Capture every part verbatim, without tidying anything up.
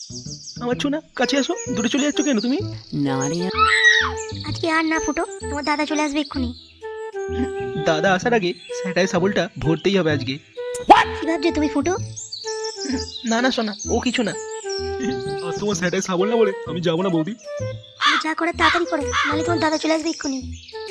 আমার ছোনা কাছে আসো, দূরে চলে যাচ্ছ কেন তুমি? আজকে আর না ফুটো, তোমার দাদা চলে আসবে এক্ষুনি। দাদা আসার আগে স্যাটাই সাবলটা ভরতেই হবে আজকে। কি ভাবছো তুমি ফুটো? না না সোনা, ও কিছু না। আর তোমার স্যাটাই সাবল না বলে আমি যাবো না বৌদি। তুমি যা করে তাড়াতাড়ি করো, নাহলে তোমার দাদা চলে আসবে এক্ষুনি।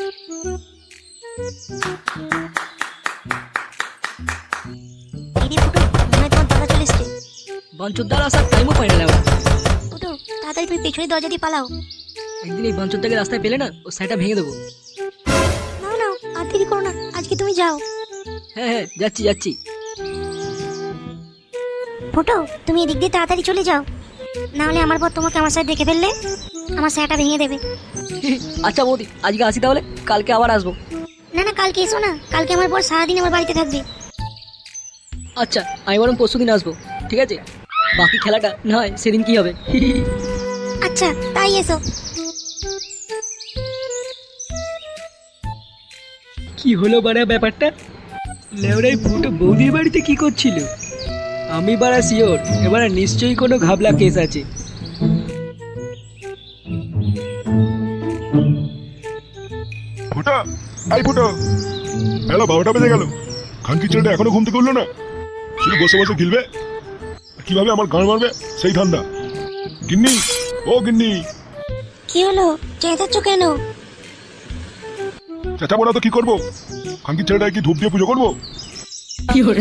এই রে ফুটো, মনে হয় তোমার দাদা চলে এসছে। বাঞ্চোদ্দার আসার টাইমও পাই না ওরা। ফুটো তাড়াতাড়ি তুমি পেছনের দরজা দিয়ে পালাও। একদিন এই বাঞ্চোদ্দাকে রাস্তায় পেলে না, ও সাইটা ভেঙে দেবো। না না আর দেরি করো না, আজকে তুমি যাও। হ্যাঁ হ্যাঁ যাচ্ছি যাচ্ছি। ফুটো তুমি এদিক দিয়ে তাড়াতাড়ি চলে যাও, না হলে আমার পর তোমাকে আমার সাথে দেখে ফেললে আমার স্যাটা ভেঙে দেবে। আচ্ছা বৌদি, আজকে আসি তাহলে, কালকে আবার আসবো। না না কালকে এসো না, কালকে আমার পর সারাদিন আমার বাড়িতে থাকবে। আচ্ছা আমি বরং পরশু দিন আসবো, ঠিক আছে? বাকি খেলাটা না হয় সেদিন কি হবে। আচ্ছা তাই এসো। কি হলো বাড়া ব্যাপারটা? লেওড়াই ফুটো বৌদির বাড়িতে কি করছিল? আমি বাড়া শিওর এবার নিশ্চয়ই কোনো ঘাবলা কেস আছে। ফুটা, আই ফুটো, বেলা বারোটা বেজে গেল, খানকি ছেলেটা এখনো ঘুম থেকে উঠলো না। শুধু বসে বসে গিলবে, কিভাবে আমার গান মারবে সেই ধান্দা। গিন্নি, ও গিন্নি, কি হলো, চেঁচাচ্ছ কেন? চেঁচাবো না তো কি করবো? খানকি ছেলেটা কি ধূপ দিয়ে পুজো করবো? কি হলো?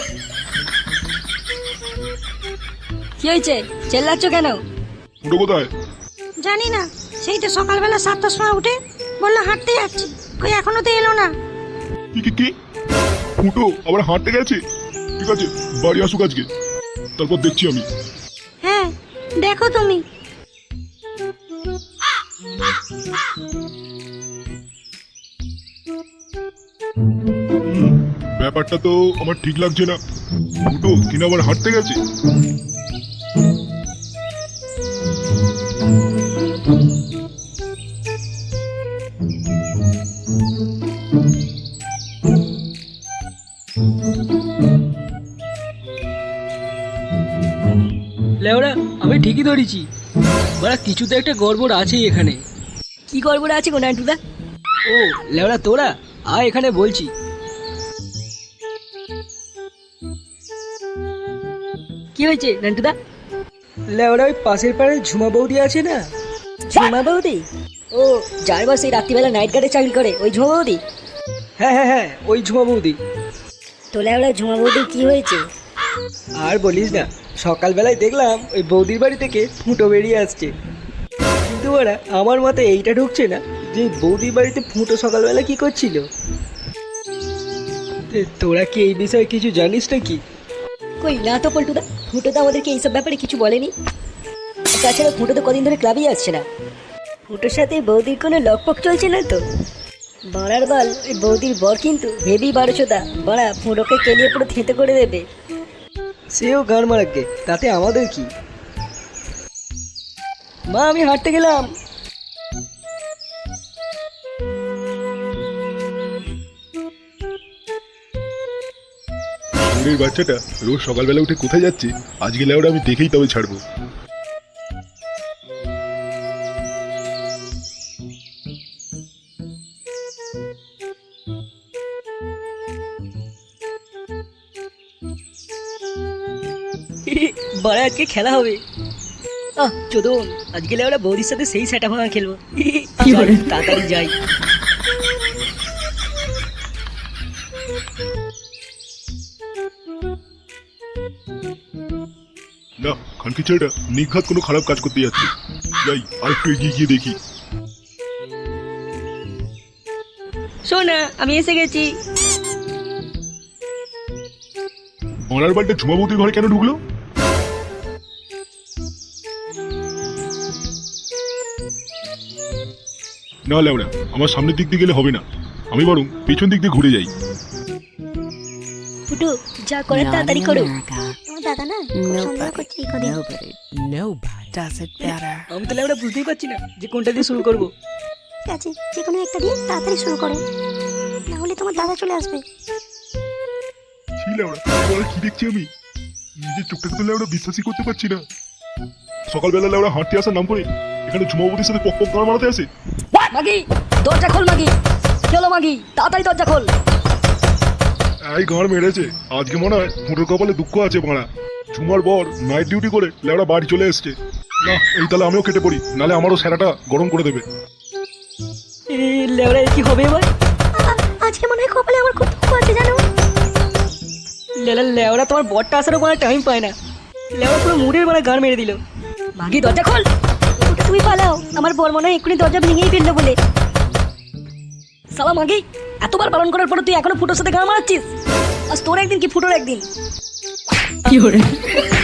কি হয়েছে, চেল্লাচ্ছ কেন? ফুটো কোথায়? জানি না, সেই তো সকালবেলা সাতটার সময় উঠে বললো হাঁটতে যাচ্ছি, কই এখনো তো এলো না। কি কি কি? ফুটো আবার হাঁটতে গেছে? ঠিক আছে, বাড়ি আসুক আজকে, তারপর দেখছি আমি। হ্যাঁ দেখো তুমি। ব্যাপারটা তো আমার ঠিক লাগছে না। ফুটো কিনা আবার হাঁটতে গেছে? লেওড়া আমি ঠিকই ধরেছি, বাড়া কিছু তো একটা গড়বড় আছেই এখানে। কি গড়বড় আছে গো নান্টুদা? ও লেওড়া তোরা আয় এখানে বলছি। কি হয়েছে নান্টুদা? লেওড়া ওই পাশের পাড়ে ঝুমা বৌদি আছে না? ঝুমা বৌদি? ও যার বাস এই রাত্রিবেলা নাইট গার্ডে চাকরি করে, ওই ঝুমা বৌদি? হ্যাঁ হ্যাঁ হ্যাঁ ওই ঝুমা বৌদি। তো লেওড়া ঝুমা বৌদি কি হয়েছে? আর বলিস না, সকালবেলায় দেখলাম ওই বৌদির বাড়ি থেকে ফুটো বেরিয়ে আসছে, কিন্তু ওরা আমার মতে এইটা ঢুকছে না যে বৌদির বাড়িতে ফুটো সকালবেলা কি করছিল। এ, তোরা কি এই বিষয়ে কিছু জানিস নাকি? কই না তো পল্টুদা, ফুটো তো আমাদেরকে এইসব ব্যাপারে কিছু বলেনি। তাছাড়া ফুটো তো কদিন ধরে ক্লাবেই আসছে না। ফুটোর সাথে বৌদির কোনো লকপক চলছে না তো? বাড়ার বাল, ওই বৌদির বর কিন্তু হেভি বারোচোদা, বাড়া ফুটোকে কেলিয়ে পুরো থেতে করে দেবে। সেও গান মারাকে, তাতে আমাদের কি? মা আমি হাঁটতে গেলাম। শরীরের বাচ্চাটা রোজ সকালবেলা উঠে কোথায় যাচ্ছে আজকে লেওরা আমি দেখেই তবে ছাড়বো। বড় আজকে খেলা হবে। আহ চোদন, আজকে ওরা বৌদির সাথে সেই সেটা ভাঙা খেলবো। যাই, তাড়াতাড়ি যাই। না, খানকি ছেলেটা নিঘাত কোনো খারাপ কাজ করতে যাচ্ছে। যাই আর একটু এগিয়ে গিয়ে দেখি। শোনা আমি এসে গেছি। মরার বাড়িতে ঝুমাবতীর ঘরে কেন ঢুকলো? না লেওরা, আমার সামনের দিক দিয়ে গেলে হবে না, আমি বরং পেছন দিক দিয়ে ঘুরে যাই। ফুটু যা করে তাড়াতাড়ি করো। তোমার দাদা না খুব সন্দেহ করছে এই কদিন। Nobody does it better. আমি তাহলে ওরা বুঝতেই পারছি না যে কোনটা দিয়ে শুরু করবো। ঠিক আছে, যে কোনো একটা দিয়ে তাড়াতাড়ি শুরু করো, না হলে তোমার দাদা চলে আসবে। ছি লেওরা, কি দেখছি আমি? নিজের চোখটাকে তো লেওরা বিশ্বাসই করতে পারছি না। সকালবেলা ওরা হাঁটতে আসার নাম করে এখানে ঝুমাবতির সাথে পক পক গান মারাতে আসে। মাগি দরজা খোল মাগি, কি হলো মাগি, তাড়াতাড়ি দরজা খোল। এই গান মেরেছে, আজকে মনে হয় ফুটোর কপালে দুঃখ আছে বাড়া। ঝুমার বর নাইট ডিউটি করে লেওড়া বাড়ি চলে এসছে। না এই তাহলে আমিও কেটে পড়ি, নালে আমারও স্যারাটা গরম করে দেবে। এই লেওড়া কি হবে এবার? আ- আজকে মনে হয় কপালে আমার খুব দুঃখ আছে জানো। লেলা লেওড়া তোমার বরটা আসারও কোনো টাইম পায় না, লেওড়া পুরো মুডের মানে গান মেরে দিল। মাগি দরজা খোল। ওটা তুমি পালাও, আমার বর মনে হয় এক্ষুনি দরজা ভেঙেই ফেললো বলে। সালা মাগি, এতবার পালন করার পরে তুই এখনো ফুটোর সাথে গান মারাচ্ছিস? আজ তোর একদিন কি ফুটোর একদিন। You're